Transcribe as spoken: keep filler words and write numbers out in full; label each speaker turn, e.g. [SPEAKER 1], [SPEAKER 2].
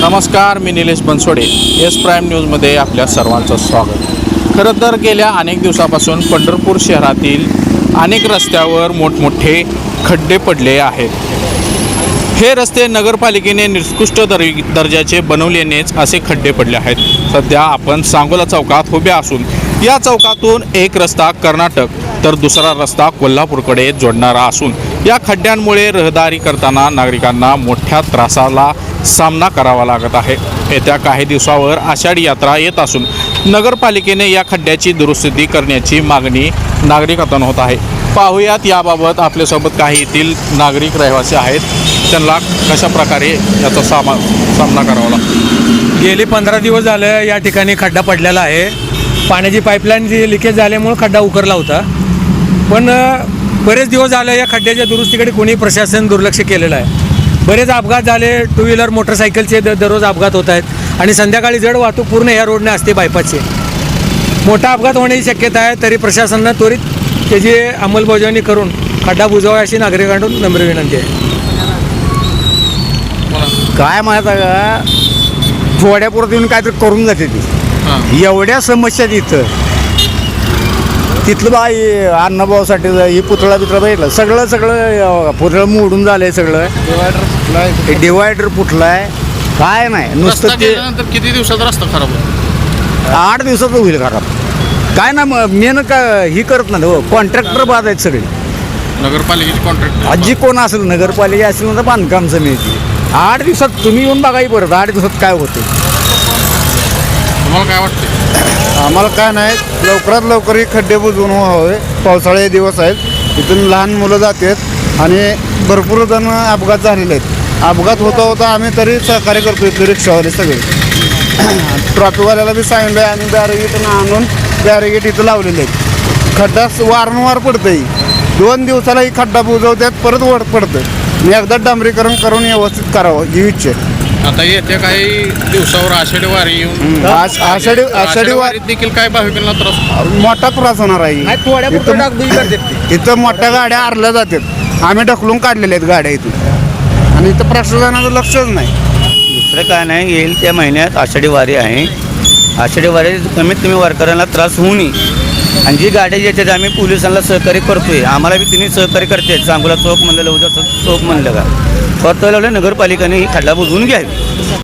[SPEAKER 1] नमस्कार, मी Nilesh Bansode. S prime न्यूजमध्ये आपल्या सर्वांचं स्वागत. खरं तर गेल्या अनेक दिवसापासून पंढरपूर शहरातील अनेक रस्त्यावर मोठमोठे खड्डे पडले आहेत. हे रस्ते नगरपालिकेने निकृष्ट दर दर्जाचे बनवल्यानेच असे खड्डे पडले आहेत. सध्या आपण सांगोला चौकात उभे असून या चौकातून एक रस्ता कर्नाटक तर दुसरा रस्ता कोल्हापूरकडे जोडणारा असून या खड्ड्यांमुळे रहदारी करताना नागरिकांना मोठ्या त्रासाला सामना करावा लागत आहे. येत्या काही दिवसावर आषाढी यात्रा येत असून नगरपालिकेने या खड्ड्याची दुरुस्ती करण्याची मागणी नागरिकांतून होत आहे. पाहूयात याबाबत आपल्यासोबत काही येथील नागरिक रहिवासी आहेत. त्यांना कशा प्रकारे याचा सामा सामना करावा लागतो.
[SPEAKER 2] गेली पंधरा दिवस झालं या ठिकाणी खड्डा पडलेला आहे. पाण्याची पाईपलाईन जी लिकेज झाल्यामुळे खड्डा उकरला होता, पण बरेच दिवस झाले या खड्ड्याच्या दुरुस्तीकडे कोणी प्रशासन दुर्लक्ष केलेलं आहे. बरेच अपघात झाले, टू व्हीलर मोटरसायकलचे द दररोज अपघात होत आहेत आणि संध्याकाळी जड वाहतूक पूर्ण या रोडने असते बायपासचे. मोठा अपघात होण्याची शक्यता आहे. तरी प्रशासनानं त्वरित त्याची अंमलबजावणी करून खड्डा बुजवावा अशी नागरिकांकडून नम्र विनंती आहे.
[SPEAKER 3] काय माहीत आहे का, थोड्यापुरत येऊन काहीतरी करून जाते ती. एवढ्या समस्या तिथं तिथलं बाई अन्नभावासाठी ही पुतळा बितळा बघितलं, सगळं सगळं पुतळं मोडून झालंय. सगळं डिवायडर डिवायडर फुटलाय. काय नाही, नुसतं ते
[SPEAKER 1] किती दिवसात रस्ता खराब होतो?
[SPEAKER 3] आठ दिवसात होईल खराब. काय ना मग मेन का ही करत नाही हो, कॉन्ट्रॅक्टर बाद आहेत सगळे.
[SPEAKER 1] नगरपालिकेची कॉन्ट्रॅक्ट
[SPEAKER 3] आजी कोण असेल, नगरपालिका असेल ना तर बांधकाम समिती. आठ दिवसात तुम्ही येऊन बघाही परत आठ दिवसात काय होते.
[SPEAKER 1] तुम्हाला काय वाटतं?
[SPEAKER 4] आम्हाला काय नाही, लवकरात लवकर हे खड्डे बुजवून व्हावे. पावसाळे दिवस आहेत, इथून लहान मुलं जातात आणि भरपूर जण अपघात झालेले आहेत. अपघात होता होता आम्ही तरी सहकार्य करतो. इथले रिक्षावाले सगळे ट्रॉफिकवाल्याला बी सांगितलं आहे आणि बॅरिगेट आणून बॅरिगेट इथं लावलेले आहेत. खड्डा वारंवार पडतंय. दोन दिवसाला ही खड्डा बुजवतात, परत वड पडतं. मी एकदा डांबरीकरण करून व्यवस्थित करावं ही इच्छा आहे.
[SPEAKER 1] आता येत्या काही दिवसावर आषाढी वारी येऊन
[SPEAKER 4] आष- आषाढी आषाढी वारी
[SPEAKER 1] वारीत देखील काय भाविकांना त्रास?
[SPEAKER 4] मोठा त्रास होणार आहे. इथं इथं मोठ्या गाड्या आरल्या जातात. आम्ही ढकलून काढलेल्या आहेत गाड्या इथून आणि इथं प्रशासनाचं लक्षच नाही.
[SPEAKER 5] दुसरं काय नाही, येईल त्या महिन्यात आषाढी वारी आहे. आषाढी वारी कमीत कमी वारकऱ्यांना त्रास होऊ नये आणि जी गाड्या येतात आम्ही पोलिसांना सहकार्य करतोय. आम्हाला बी तिन्ही सहकार्य करते. सांगोला चौक म्हणलं, लवजा चौक म्हणलं का, फक्त नगरपालिकेने ही खड्डा बुजवून घ्यावी.